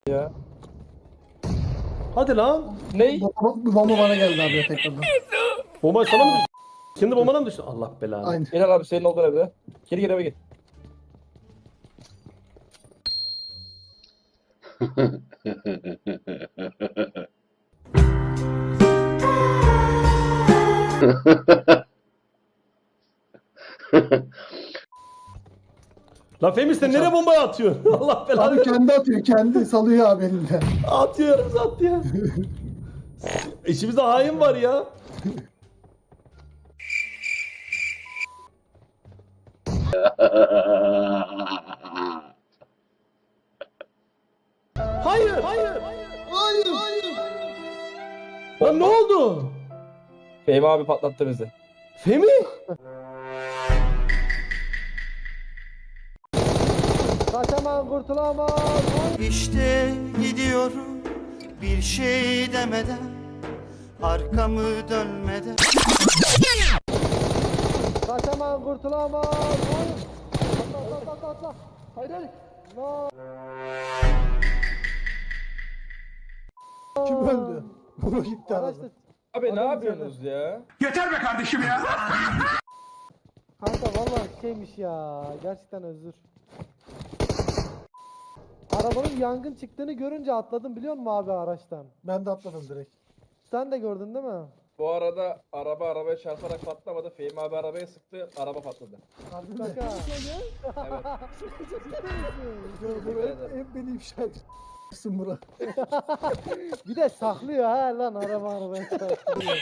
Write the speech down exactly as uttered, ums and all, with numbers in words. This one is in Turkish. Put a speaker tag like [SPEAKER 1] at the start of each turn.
[SPEAKER 1] ya.
[SPEAKER 2] Hadi lan.
[SPEAKER 1] Ney?
[SPEAKER 3] Bomba, bomba bana geldi abi ya tekrardan.
[SPEAKER 2] Bomba sana mı düştü? Şimdi bombana mı düştü? Allah belanı.
[SPEAKER 3] Aynen.
[SPEAKER 1] Gel abi senin olduğun evde. Geri geri eve git.
[SPEAKER 2] Lan Fehmi sen nereye bombayı atıyorsun? Allah belanı.
[SPEAKER 3] Abi kendi atıyor, kendi salıyor abi elinde.
[SPEAKER 2] Atıyoruz at ya. İçimizde hain var ya. Hayır, hayır.
[SPEAKER 3] Hayır, hayır.
[SPEAKER 2] Lan ne oldu?
[SPEAKER 1] Fehmi abi patlattı bizi.
[SPEAKER 2] Fehmi?
[SPEAKER 4] Kaçamam kurtulamam.
[SPEAKER 5] İşte gidiyorum bir şey demeden, arkamı dönmeden.
[SPEAKER 4] Kaçamam kurtulamam. Hayır. Atla atla atla atla. Hayır hayır. No.
[SPEAKER 3] Kim öldü? Bu gitti
[SPEAKER 4] Araçta.
[SPEAKER 3] arada.
[SPEAKER 1] Abi ne
[SPEAKER 4] Adam
[SPEAKER 1] yapıyorsunuz ya?
[SPEAKER 4] Kanka vallahi şeymiş ya. Gerçekten özür. Arabanın yangın çıktığını görünce atladım biliyor musun abi araçtan?
[SPEAKER 3] Ben de atladım direkt.
[SPEAKER 4] Sen de gördün değil mi?
[SPEAKER 1] Bu arada araba arabaya çarparak patlamadı. Fehmi abi arabaya sıktı. Araba patladı.
[SPEAKER 3] Harbi mi?
[SPEAKER 4] Kanka.
[SPEAKER 1] Evet.
[SPEAKER 3] Bu hep, hep beni ifşa ediyorsun Murat.
[SPEAKER 4] Bir de saklıyor ha lan araba arabaya. saklıyor.